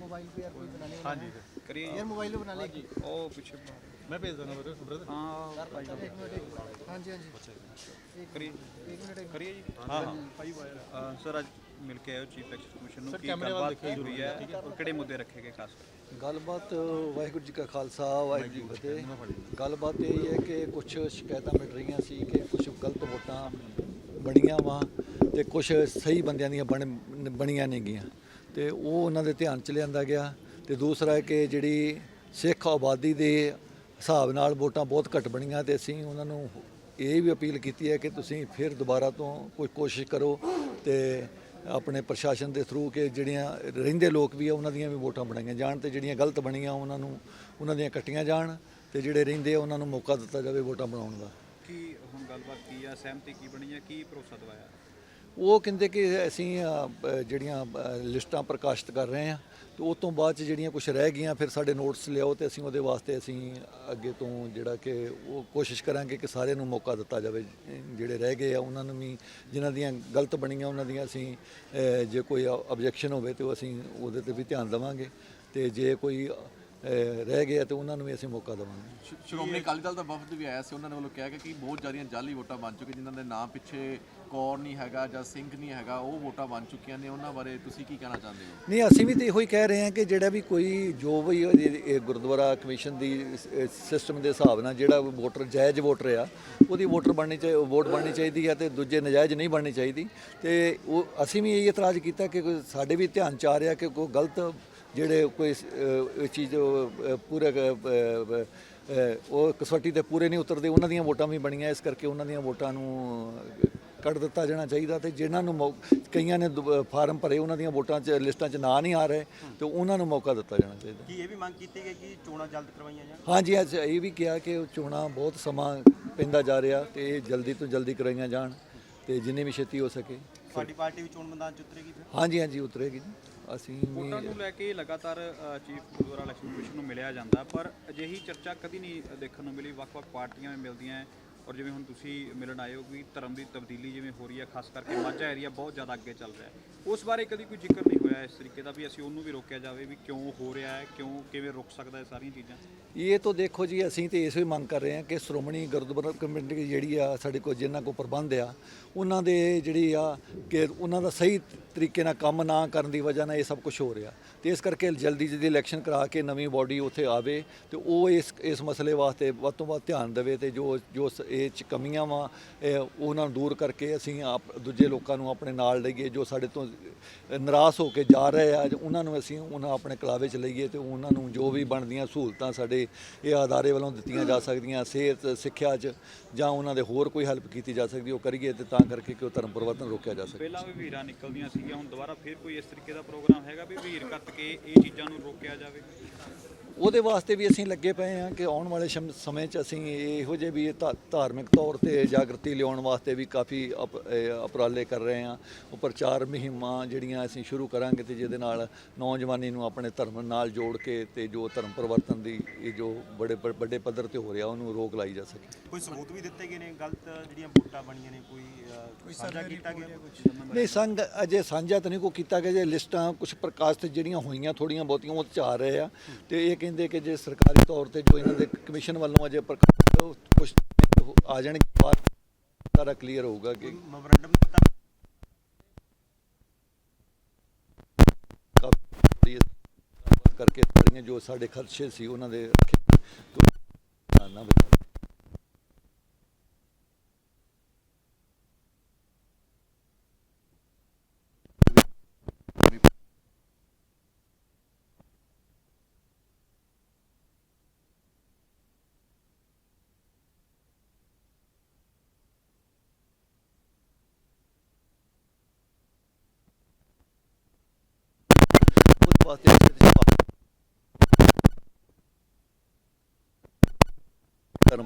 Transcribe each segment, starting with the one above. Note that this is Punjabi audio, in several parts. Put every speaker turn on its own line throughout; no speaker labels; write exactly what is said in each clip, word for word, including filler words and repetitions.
मोबाइल पे यार कोई बनाने
हाँ जी
करिए
यार मोबाइल पे बना ले
ओ पीछे
मैं भेज दूँगा ब्रदर ब्रदर
हाँ
एक मिनट हाँ जी हाँ जी
करिए
एक मिनट
करिए जी
हाँ हाँ
ਅ, ਸਰ ਅੱਜ ਮਿਲ ਕੇ ਆਏ ਹੋ ਚੀਫ ਇਲੈਕਸ਼ਨ ਕਮਿਸ਼ਨ ਨੂੰ
ਸਰ,
ਕੀ
ਕੈਮਰੇ ਵੱਲ
ਗੱਲਬਾਤ
ਦੇਖਿਓ
ਕੀ ਹੋਈ
ਜ਼ਰੂਰ,
ਹੈ
ਠੀਕ ਹੈ।
ਔਰ ਕਿਹੜੇ ਮੁੱਦੇ ਰੱਖੇ ਗਏ ਖਾਸ ਕਰ
ਗੱਲਬਾਤ ਵਾਹਿਗੁਰੂ ਜੀ ਕਾ ਖਾਲਸਾ ਵਾਹਿਗੁਰੂ ਜੀ ਕੀ ਫਤਿਹ। ਗੱਲਬਾਤ ਇਹ ਹੈ ਕਿ ਕੁਝ ਸ਼ਿਕਾਇਤਾਂ ਮਿਲ ਰਹੀਆਂ ਸੀ ਕਿ ਕੁਝ ਗਲਤ ਵੋਟਾਂ ਬਣੀਆਂ ਵਾ ਤੇ ਕੁਝ ਸਹੀ ਬੰਦਿਆਂ ਦੀਆਂ ਬਣ ਬਣੀਆਂ ਨਹੀਂ ਗਈਆਂ ਤੇ ਉਹ ਉਹਨਾਂ ਦੇ ਧਿਆਨ ਚ ਲਿਆਂਦਾ ਗਿਆ। ਤੇ ਦੂਸਰਾ ਹੈ ਕਿ ਜਿਹੜੀ ਸਿੱਖ ਆਬਾਦੀ ਦੇ ਹਿਸਾਬ ਨਾਲ ਵੋਟਾਂ ਬਹੁਤ ਘੱਟ ਬਣੀਆਂ ਤੇ ਅਸੀਂ ਉਹਨਾਂ ਨੂੰ ਇਹ ਵੀ ਅਪੀਲ ਕੀਤੀ ਹੈ ਕਿ ਤੁਸੀਂ ਫਿਰ ਦੁਬਾਰਾ ਤੋਂ ਕੋਈ ਕੋਸ਼ਿਸ਼ ਕਰੋ ਤੇ ਆਪਣੇ ਪ੍ਰਸ਼ਾਸਨ ਦੇ ਥਰੂ ਕਿ ਜਿਹੜੀਆਂ ਰਹਿੰਦੇ ਲੋਕ ਵੀ ਆ ਉਹਨਾਂ ਦੀਆਂ ਵੀ ਵੋਟਾਂ ਬਣਾਈਆਂ ਜਾਣ ਤੇ ਜਿਹੜੀਆਂ ਗਲਤ ਬਣੀਆਂ ਉਹਨਾਂ ਨੂੰ ਉਹਨਾਂ ਦੀਆਂ ਕੱਟੀਆਂ ਜਾਣ ਤੇ ਜਿਹੜੇ ਰਹਿੰਦੇ ਆ ਉਹਨਾਂ ਨੂੰ ਮੌਕਾ ਦਿੱਤਾ ਜਾਵੇ ਵੋਟਾਂ ਬਣਾਉਣ ਦਾ।
ਕੀ ਹੁਣ ਗੱਲਬਾਤ ਕੀ ਆ ਸਹਿਮਤੀ ਕੀ ਬਣੀ ਹੈ ਕੀ ਭਰੋਸਾ ਦਵਾਇਆ
ਉਹ ਕਹਿੰਦੇ ਕਿ ਅਸੀਂ ਅ, ਜਿਹੜੀਆਂ ਅ, ਲਿਸਟਾਂ ਪ੍ਰਕਾਸ਼ਿਤ ਕਰ ਰਹੇ ਹਾਂ ਤੇ ਉਸ ਤੋਂ ਬਾਅਦ 'ਚ ਜਿਹੜੀਆਂ ਕੁਝ ਰਹਿ ਗਈਆਂ ਫਿਰ ਸਾਡੇ ਨੋਟਸ ਲਿਆਓ ਤੇ ਅਸੀਂ ਉਹਦੇ ਵਾਸਤੇ ਅਸੀਂ ਅੱਗੇ ਤੋਂ ਜਿਹੜਾ ਕਿ ਉਹ ਕੋਸ਼ਿਸ਼ ਕਰਾਂਗੇ ਕਿ ਸਾਰਿਆਂ ਨੂੰ ਮੌਕਾ ਦਿੱਤਾ ਜਾਵੇ। ਜਿਹੜੇ ਰਹਿ ਗਏ ਆ ਉਹਨਾਂ ਨੂੰ ਵੀ ਜਿਨ੍ਹਾਂ ਦੀਆਂ ਗਲਤ ਬਣੀਆਂ ਉਹਨਾਂ ਦੀਆਂ ਅਸੀਂ ਅ, ਜੇ ਕੋਈ ਆਬਜੈਕਸ਼ਨ ਹੋਵੇ ਤੇ ਉਹ ਅਸੀਂ ਉਹਦੇ ਤੇ ਵੀ ਧਿਆਨ ਦੇਵਾਂਗੇ ਤੇ ਜੇ ਕੋਈ ਅ, ਰਹਿ ਗਿਆ ਤੇ ਉਹਨਾਂ ਨੂੰ ਵੀ ਅਸੀਂ ਮੌਕਾ ਦੇਵਾਂਗੇ।
ਸ਼੍ਰੋਮਣੀ ਅਕਾਲੀ ਦਲ ਦਾ ਵਫਦ ਵੀ ਆਇਆ ਸੀ, ਉਹਨਾਂ ਨੇ ਵੱਲੋਂ ਕਿਹਾ ਕਿ ਬਹੁਤ ਜ਼ਿਆਦੀਆਂ ਜਾਲੀ ਵੋਟਾਂ ਬਣ ਚੁੱਕੀਆਂ ਜਿਨ੍ਹਾਂ ਦੇ ਨਾਮ ਪਿੱਛੇ ਕੌਰ ਨਹੀਂ ਹੈਗਾ ਜਾਂ ਸਿੰਘ ਨਹੀਂ ਹੈਗਾ, ਉਹ ਵੋਟਾਂ ਬਣ ਚੁੱਕੀਆਂ ਨੇ। ਉਹਨਾਂ ਬਾਰੇ ਤੁਸੀਂ ਕੀ ਕਹਿਣਾ ਚਾਹੁੰਦੇ ਹੋ?
ਨਹੀਂ ਅਸੀਂ ਵੀ ਤਾਂ ਇਹੋ ਹੀ ਕਹਿ ਰਹੇ ਹਾਂ ਕਿ ਜਿਹੜਾ ਵੀ ਕੋਈ ਜੋ ਵੀ ਇਹ- ਇਹ ਗੁਰਦੁਆਰਾ ਕਮਿਸ਼ਨ ਦੀ ਸਿਸਟਮ ਦੇ ਹਿਸਾਬ ਨਾਲ ਜਿਹੜਾ ਵੋਟਰ ਜਾਇਜ਼ ਵੋਟਰ ਆ ਉਹਦੀ ਵੋਟਰ ਬਣਨੀ ਚਾਹੀ ਵੋਟ ਬਣਨੀ ਚਾਹੀਦੀ ਹੈ ਤੇ ਦੂਜੇ ਨਜਾਇਜ਼ ਨਹੀਂ ਬਣਨੀ ਚਾਹੀਦੀ। ਤੇ ਉਹ ਅਸੀਂ ਵੀ ਇਹ ਇਤਰਾਜ਼ ਕੀਤਾ ਕਿ ਕੋਈ ਸਾਡੇ ਵੀ ਧਿਆਨ ਚ ਆ ਰਿਹਾ ਕਿ ਕੋਈ ਗਲਤ ਜਿਹੜੇ ਕੋਈ ਅ, ਚੀਜ਼ ਅ, ਪੂਰੇ ਅ, ਅ, ਉਹ ਕਸਵੱਟੀ ਤੇ ਪੂਰੇ ਨਹੀਂ ਉਤਰਦੇ ਉਹਨਾਂ ਦੀਆਂ ਵੋਟਾਂ ਵੀ ਬਣੀਆਂ ਇਸ ਕਰਕੇ ਉਹਨਾਂ ਦੀਆਂ ਵੋਟਾਂ ਨੂੰ ਕੱਢ ਦਿੱਤਾ ਜਾਣਾ ਚਾਹੀਦਾ ਤੇ ਜਿਨ੍ਹਾਂ ਨੂੰ ਮੌ- ਕਈਆਂ ਨੇ ਦੁ- ਫਾਰਮ ਭਰੇ ਉਹਨਾਂ ਦੀਆਂ ਵੋਟਾਂ 'ਚ ਲਿਸਟਾਂ 'ਚ ਨਾਂ ਨਹੀਂ ਆ ਰਹੇ ਤੇ ਉਹਨਾਂ ਨੂੰ ਮੌਕਾ ਦਿੱਤਾ ਜਾਣਾ ਚਾਹੀਦਾ।
ਕੀ ਇਹ ਵੀ ਮੰਗ ਕੀਤੀ ਗਈ ਕਿ ਚੋਣਾਂ ਜਲਦ ਕਰਵਾਈਆਂ ਜਾਣ?
ਹਾਂਜੀ ਅੱਜ ਇਹ ਵੀ ਕਿਹਾ ਕਿ ਉਹ ਚੋਣਾਂ ਬਹੁਤ ਸਮਾਂ ਪੈਂਦਾ ਜਾ ਰਿਹਾ ਤੇ ਇਹ ਜਲਦੀ ਤੋਂ ਜਲਦੀ ਕਰਵਾਈਆਂ ਜਾਣ ਤੇ ਜਿੰਨੀ ਵੀ ਛੇਤੀ ਹੋ ਸਕੇ।
ਸਾਡੀ ਪਾਰਟੀ ਵੀ ਚੋਣ ਮੈਦਾਨ ਚ ਉਤਰੇਗੀ ਫਿਰ?
ਹਾਂਜੀ ਹਾਂਜੀ ਉਤਰੇਗੀ ਜੀ। ਅਸੀਂ
ਵੋਟਾਂ
ਵੀ
ਨੂੰ ਲੈ ਕੇ ਲਗਾਤਾਰ ਚੀਫ ਗੁਰਦੁਆਰਾ ਇਲੈਕਸ਼ਨ ਕਮਿਸ਼ਨ ਨੂੰ ਮਿਲਿਆ ਜਾਂਦਾ ਪਰ ਅਜਿਹੀ ਚਰਚਾ ਕਦੀ ਨਹੀਂ ਦੇਖਣ ਨੂੰ ਮਿਲੀ। ਵੱਖ-ਵੱਖ ਪਾਰਟੀਆਂ ਵੀ ਮਿਲਦੀਆਂ ਔਰ ਜਿਵੇਂ ਹੁਣ ਤੁਸੀਂ ਮਿਲਣ ਆਏ ਹੋ ਕਿ ਧਰਮ ਦੀ ਤਬਦੀਲੀ ਜਿਵੇਂ ਹੋ ਰਹੀ ਹੈ ਖਾਸ ਕਰਕੇ ਮਾਝਾ ਏਰੀਆ ਬਹੁਤ ਜ਼ਿਆਦਾ ਅੱਗੇ ਚੱਲ ਰਿਹਾ ਹੈ ਉਸ ਬਾਰੇ ਕਦੀ ਕੋਈ ਜ਼ਿਕਰ ਨਹੀਂ ਹੋਇਆ ਇਸ ਤਰੀਕੇ ਦਾ ਵੀ ਅਸੀਂ ਉਹਨੂੰ ਵੀ ਰੋਕਿਆ ਜਾਵੇ ਵੀ ਕਿਉਂ ਹੋ ਰਿਹਾ ਹੈ ਕਿਉਂ ਕਿਵੇਂ ਰੁਕ ਸਕਦਾ ਹੈ ਸਾਰੀਆਂ ਚੀਜ਼ਾਂ।
ਇਹ ਤਾਂ ਦੇਖੋ ਜੀ ਅਸੀਂ ਤੇ ਇਸ ਵੀ ਮੰਗ ਕਰ ਰਹੇ ਹਾਂ ਕਿ ਸ਼੍ਰੋਮਣੀ ਗੁਰਦੁਆਰਾ ਕਮੇਟੀ ਜਿਹੜੀ ਆ ਸਾਡੇ ਕੋਲ ਜਿਨ੍ਹਾਂ ਕੋਲ ਪ੍ਰਬੰਧ ਆ ਉਹਨਾਂ ਦੇ ਜਿਹੜੀ ਆ ਕਿ ਉਹਨਾਂ ਦਾ ਸਹੀ ਤਰੀਕੇ ਨਾਲ ਕੰਮ ਨਾ ਕਰਨ ਦੀ ਵਜ੍ਹਾ ਨਾਲ ਇਹ ਸਭ ਕੁਝ ਹੋ ਰਿਹਾ ਤੇ ਇਸ ਕਰਕੇ ਜਲਦੀ ਜਲਦੀ ਇਲੈਕਸ਼ਨ ਕਰਾ ਕੇ ਨਵੀਂ ਬਾਡੀ ਉੱਥੇ ਆਵੇ ਤੇ ਉਹ ਇਸ ਇਸ ਮਸਲੇ ਵਾਸਤੇ ਵੱਧ ਤੋਂ ਵੱਧ ਧਿਆਨ ਦੇਵੇ ਤੇ ਜੋ ਜੋ ਇਹ 'ਚ ਕਮੀਆਂ ਵਾ ਉਹਨਾਂ ਨੂੰ ਦੂਰ ਕਰਕੇ ਅਸੀਂ ਆਪ ਦੂਜੇ ਲੋਕਾਂ ਨੂੰ ਆਪਣੇ ਨਾਲ ਲਈਏ ਜੋ ਸਾਡੇ ਤੋਂ ਨਿਰਾਸ਼ ਹੋ ਕੇ ਜਾ ਰਹੇ ਆ ਉਹਨਾਂ ਨੂੰ ਅਸੀਂ ਉਹਨਾਂ ਆਪਣੇ ਕਲਾਵੇ 'ਚ ਲਈਏ ਤੇ ਉਹਨਾਂ ਨੂੰ ਜੋ ਵੀ ਬਣਦੀਆਂ ਸਹੂਲਤਾਂ ਸਾਡੇ ਇਹ ਅਦਾਰੇ ਵੱਲੋਂ ਦਿੱਤੀਆਂ ਜਾ ਸਕਦੀਆਂ ਸਿਹਤ ਸਿੱਖਿਆ 'ਚ ਜਾਂ ਉਹਨਾਂ ਦੇ ਹੋਰ ਕੋਈ ਹੈਲਪ ਕੀਤੀ ਜਾ ਸਕਦੀ ਉਹ ਕਰੀਏ ਤੇ ਤਾਂ ਕਰਕੇ ਕਿ ਉਹ ਧਰਮ ਪਰਿਵਰਤਨ ਰੋਕਿਆ ਜਾ ਸਕੇ।
ਪਹਿਲਾਂ ਵੀ ਵੀਰਾਂ ਨਿਕਲਦੀਆਂ ਸੀਗੀਆਂ ਹੁਣ ਦੁਬਾਰਾ ਫਿਰ ਕੋਈ ਇਸ ਤਰੀਕੇ ਦਾ ਪ੍ਰੋਗਰਾਮ ਹੈਗਾ ਵੀ ਵੀਰ ਕੱਤ ਕੇ ਇਹ ਚੀਜ਼ਾਂ ਨੂੰ ਰੋਕਿਆ ਜਾਵੇ?
ਉਹਦੇ ਵਾਸਤੇ ਵੀ ਅਸੀਂ ਲੱਗੇ ਪਏ ਹਾਂ ਕਿ ਆਉਣ ਵਾਲੇ ਸ਼ਮ- ਸਮੇਂ 'ਚ ਅਸੀਂ ਇਹੋ ਜਿਹੇ ਵੀ ਧਾ- ਧਾਰਮਿਕ ਤੌਰ ਤੇ ਜਾਗਰਤੀ ਲਿਆਉਣ ਵਾਸਤੇ ਵੀ ਕਾਫੀ ਅਪ- ਇਹ ਉਪਰਾਲੇ ਕਰ ਰਹੇ ਹਾਂ। ਉਹ ਪ੍ਰਚਾਰ ਮੁਹਿੰਮਾਂ ਜਿਹੜੀਆਂ ਅਸੀਂ ਸ਼ੁਰੂ ਕਰਾਂਗੇ ਤੇ ਜਿਹਦੇ ਨਾਲ ਨੌਜਵਾਨੀ ਨੂੰ ਆਪਣੇ ਧਰਮ ਨਾਲ ਜੋੜ ਕੇ ਤੇ ਜੋ ਧਰਮ ਪਰਿਵਰਤਨ ਦੀ ਇਹ ਜੋ ਬੜੇ ਬ- ਵੱਡੇ ਪੱਧਰ ਤੇ ਹੋ ਰਿਹਾ ਉਹਨੂੰ ਰੋਕ ਲਾਈ ਜਾ ਸਕੇ।
ਕੋਈ ਸਬੂਤ ਵੀ ਦਿੱਤੇ ਗਏ ਨੇ ਗਲਤ ਜਿਹੜੀਆਂ ਵੋਟਾਂ ਬਣੀਆਂ ਨੇ? ਕੋਈ ਅਹ, ਸਾਂਝਾ ਕੀਤਾ ਗਿਆ ਕੁਝ?
ਨਹੀਂ ਸੰਗ ਅਜੇ ਸਾਂਝਾ ਤਾਂ ਨਹੀਂ ਕੋਈ ਕੀਤਾ ਗਿਆ ਜੇ ਲਿਸਟਾਂ ਕੁਝ ਪ੍ਰਕਾਸ਼ਿਤ ਜਿਹੜੀਆਂ ਹੋਈਆਂ ਥੋੜੀਆਂ ਬਹੁਤੀਆਂ ਉਹ 'ਚ ਆ ਰਹੇ ਆ ਤੇ ਇਹ ਕਹਿੰਦੇ ਕਿ ਜੇ ਸਰਕਾਰੀ ਤੌਰ ਤੇ ਜੋ ਇਹਨਾਂ ਦੇ ਕਮਿਸ਼ਨ ਵੱਲੋਂ ਅਜੇ ਪ੍ਰਕਾਸ਼ਿਤ ਕੁਝ ਆ ਜਾਣਗੇ ਬਾਅਦ ਸਾਰਾ ਕਲੀਅਰ ਹੋਊਗਾ ਕਿ
ਮੈਮੋਰੰਡਮ ਦਿੱਤਾ?
ਕਾਫੀ ਕਰਕੇ ਸਾਰੀਆਂ ਜੋ ਸਾਡੇ ਖਰਚੇ ਸੀ ਉਹਨਾਂ ਦੇ ਰੱਖੇ ਤੋਂ ਨਾ ਬਚਾ ਵਾਸਤੇ ਧਰਮ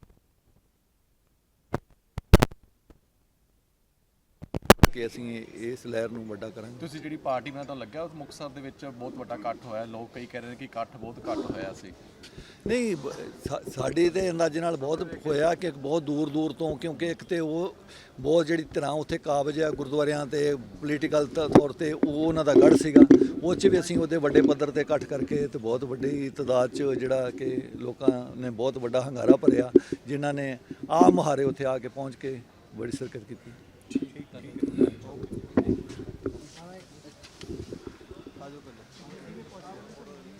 ਕਿ ਅਸੀਂ ਇਸ ਲਹਿਰ ਨੂੰ ਵੱਡਾ ਕਰਾਂਗੇ।
ਤੁਸੀਂ ਜਿਹੜੀ ਪਾਰਟੀ ਬਣਾ ਤੁਹਾਨੂੰ ਲੱਗਿਆ ਮੁਕਤਸਰ ਦੇ ਵਿੱਚ ਬਹੁਤ ਵੱਡਾ ਇਕੱਠ ਹੋਇਆ, ਲੋਕ ਕਈ ਕਹਿ ਰਹੇ ਨੇ ਕਿ ਇਕੱਠ ਬਹੁਤ ਘੱਟ ਹੋਇਆ ਸੀ?
ਨਹੀਂ ਬ- ਸਾ- ਸਾਡੇ ਦੇ ਅੰਦਾਜ਼ੇ ਨਾਲ ਬਹੁਤ ਹੋਇਆ ਕਿ ਬਹੁਤ ਦੂਰ ਦੂਰ ਤੋਂ ਕਿਉਂਕਿ ਇੱਕ ਤੇ ਉਹ ਬਹੁਤ ਜਿਹੜੀ ਤਰ੍ਹਾਂ ਉੱਥੇ ਕਾਬਜ ਆ ਗੁਰਦੁਆਰਿਆਂ ਤੇ ਪੋਲੀਟੀਕਲ ਤੌਰ ਤੇ ਉਹ ਉਹਨਾਂ ਦਾ ਗੜ੍ਹ ਸੀਗਾ ਉਹ 'ਚ ਵੀ ਅਸੀਂ ਉਹਦੇ ਵੱਡੇ ਪੱਧਰ ਤੇ ਇਕੱਠ ਕਰਕੇ ਤੇ ਬਹੁਤ ਵੱਡੀ ਤਾਦਾਦ 'ਚ ਜਿਹੜਾ ਕਿ ਲੋਕਾਂ ਨੇ ਬਹੁਤ ਵੱਡਾ ਹੰਗਾਰਾ ਭਰਿਆ, ਜਿਨ੍ਹਾਂ ਨੇ ਆਪ ਮੁਹਾਰੇ ਉੱਥੇ ਆ ਕੇ ਪਹੁੰਚ ਕੇ ਬੜੀ ਸ਼ਿਰਕਤ ਕੀਤੀ।